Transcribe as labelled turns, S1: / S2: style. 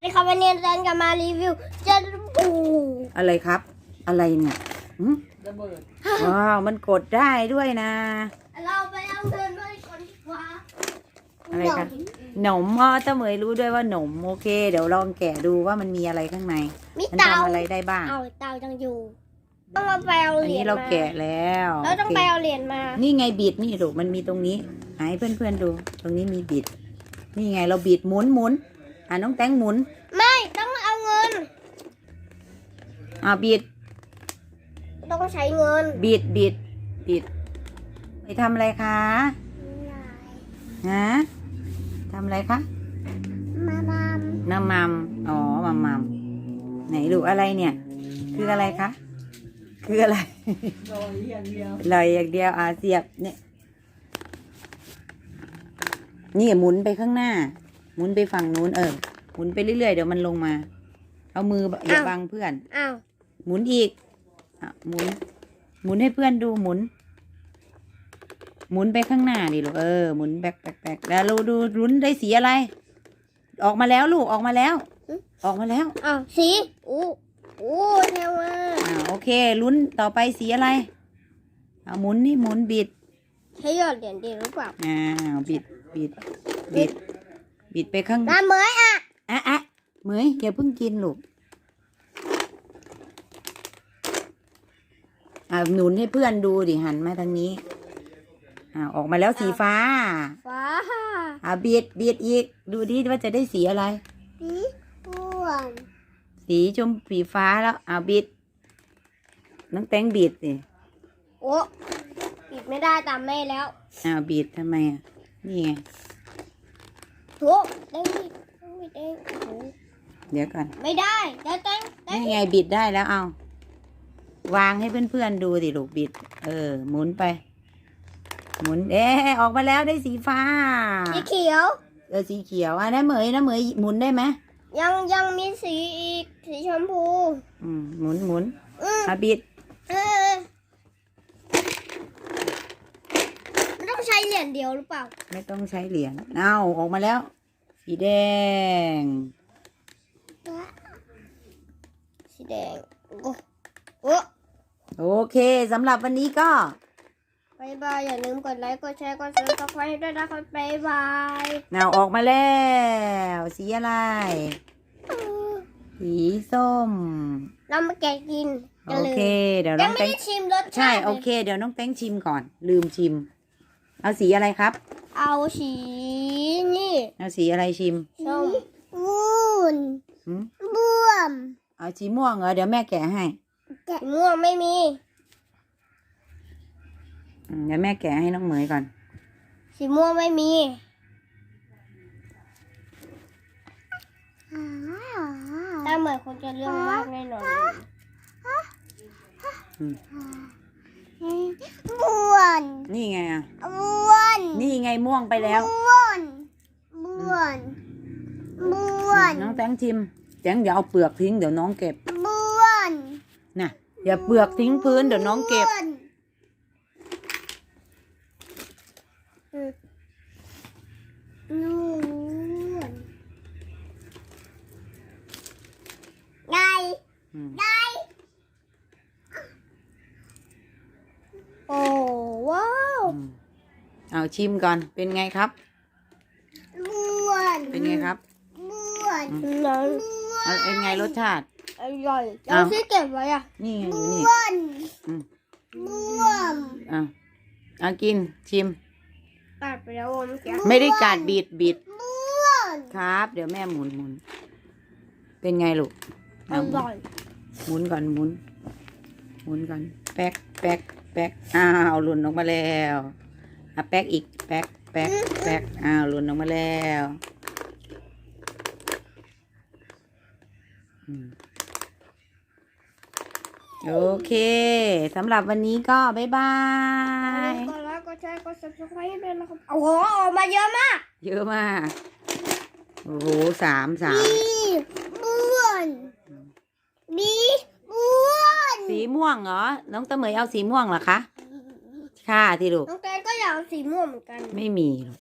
S1: ในคาเฟเนียนแซนกับมารีวิวจะปู
S2: อะไรครับ อะไรเนี่ย
S3: ระเบิด
S2: ว้าวมันกดได้ด้วยนะ
S1: เราไปเอาเดินด้วยคนดีกว่า
S2: อะไรคะหนมเจ้าเหมยรู้ด้วยว่าหนมโอเค เดี๋ยวลองแกะดูว่ามันมีอะไรข้างใน
S1: มี
S2: มัน
S1: เตา
S2: ทำอะไรได้บ้าง
S1: เอาเตายังอยู่ต้องเอาไปเอา
S2: อัน
S1: เหรีย
S2: นี้
S1: ญ
S2: เรา
S1: มา
S2: แกะแล้ว
S1: เราต้อง
S2: โอ
S1: ไป
S2: เค
S1: เอาเหรียญมา
S2: นี่ไงบิดนี่ลูกมันมีตรงนี้ให้เพื่อนๆดู ตรงนี้มีบิด นี่ไงเราบิดหมุนน้องแตงหมุน
S1: ไม่ต้องเอาเงิน
S2: บิด
S1: ต้องใช้เงิน
S2: บิดไปทำอะไรคะฮะทำอะไรคะ
S1: มามา
S2: น้ำมัมอ๋อมัมไหนลูกอะไรเนี่ย คืออะไรคะคืออะไร
S3: ลอยอย่างเดียว
S2: ลอยอย่างเดียวเสียบเนี่ยนี่หมุนไปข้างหน้า หมุนไปฝั่งนู้นหมุนไปเรื่อยๆเดี๋ยวมันลงมา เอามืออย่าบังเพื่อน
S1: อ้าว
S2: หมุนอีกหมุนให้เพื่อนดูหมุนไปข้างหน้าดิลูกหมุนแบกแล้วเราดูลุ้นได้สีอะไร ออกมาแล้วลูกออกมาแล้ว ออกมาแล้ว
S1: อ้าวสีอู้เท่มาก
S2: โอเคลุ้นต่อไปสีอะไรหมุนนี่หมุนบิด
S1: ใช้หยอดเหรียญดีหรือเปล่า
S2: บิดไปข้าง
S1: น้ำเหมย
S2: เหมยอย่าเพิ่งกินลูกหนุนให้เพื่อนดูดิหันมาทางนี้ออกมาแล้วสีฟ้า
S1: ฟ้า
S2: บิดอีกดูดิว่าจะได้สีอะไร
S1: สีม่วง
S2: สีชมสีฟ้าแล้วบิดน้องแตงบิดสิ
S1: โอ้ปิดไม่ได้ตามแม่แล้ว
S2: บิดทำไมนี่ไง
S1: โถเด้งดิเด้งโอ้
S2: เดี๋ยวก่อน
S1: ไม่ได้เด้งเด้ง
S2: นี่ไงบิดได้แล้ววางให้เพื่อนๆดูสิลูกบิดหมุนไป หมุนออกมาแล้วได้สีฟ้า
S1: สีเขียว
S2: สีเขียวนะเหมยหมุนได้ไหม
S1: ยังมีสีอีกสีชมพู
S2: หมุนบิด
S1: มันต้องใช้เหรียญเดียวหรือเปล่า
S2: ไม่ต้องใช้เหรียญออกมาแล้ว สีแดง
S1: สีแดงโอ้
S2: โอเคสำหรับวันนี้ก็
S1: บายบายอย่าลืมกดไลค์กดแชร์กดซับสไครต์ด้วยนะครับบายบาย
S2: ออกมาแล้วสีอะไร สีส้ม
S1: เรามาแกะกิน
S2: โอเค เดี๋ยวน้
S1: ยั
S2: อง ง
S1: ไม่
S2: แตง
S1: ได้ชิมรสชาติ
S2: ใช่โอเค เดี๋ยวน้องแตงชิมก่อน ลืมชิม เอาสีอะไรครับ
S1: เอาสีนี่
S2: เอาสีอะไรชิม
S1: ส้มม่วงม่วง
S2: เอาสีม่วงเหรอเดี๋ยวแม่แกะให้
S1: สีม่วงไม่มี
S2: เดี๋ยวแม่แกะให้น้องเหมยก่อน
S1: สีม่วงไม่มีถ้าเหมือนคนจะเรื่องมากแน่นอนม่วง
S2: นี่ไง
S1: ม่วง
S2: นี่ไงม่วงไปแล้ว
S1: ม่วงม่วงม่วง
S2: น้องแตงชิมแตงอย่าเอาเปลือกทิ้งเดี๋ยวน้องเก็บ
S1: ม่วง
S2: น่ะอย่าเปลือกทิ้งพื้นเดี๋ยวน้องเก็บ
S1: ไก่ไก่โอ้ว้าว
S2: เอาชิมก่อนเป็นไงครับ
S1: ม่วง
S2: เป็นไงครับ
S1: ม่วงน้ำ
S2: เป็นไงรสชาติ
S1: อร่อยเราที่เก็บไว้อ่ะ
S2: นี่ไงอยู่นี่
S1: ม่วง
S2: อืม
S1: ม่วง
S2: เอากินชิม
S1: ตัดไปแล้วเมื่อกี้
S2: ไม่ได้กัดบิด
S1: ม่วง
S2: ครับ เดี๋ยวแม่หมุนเป็นไงลูก
S1: อร่อย
S2: หมุนก่อนหมุนก่อนแป๊กหล่นออกมาแล้วแป๊กอีกแป๊กหล่นออกมาแล้วโอเคสำหรับวันนี้ก็บ๊ายบาย
S1: กดไลค์กดแชร์กด subscribe ด้วยนะครับโอ้โหออกมาเยอะมาก
S2: เยอะมากโอ้โหสาม
S1: ม่วงม่วง
S2: สีม่วงเหรอน้องตะเหมยเอาสีม่วงเหรอคะค่ะที่ลูก
S1: น้องแตงก็อยากเอาสีม่วงเหมือนกัน
S2: ไม่มีหรอก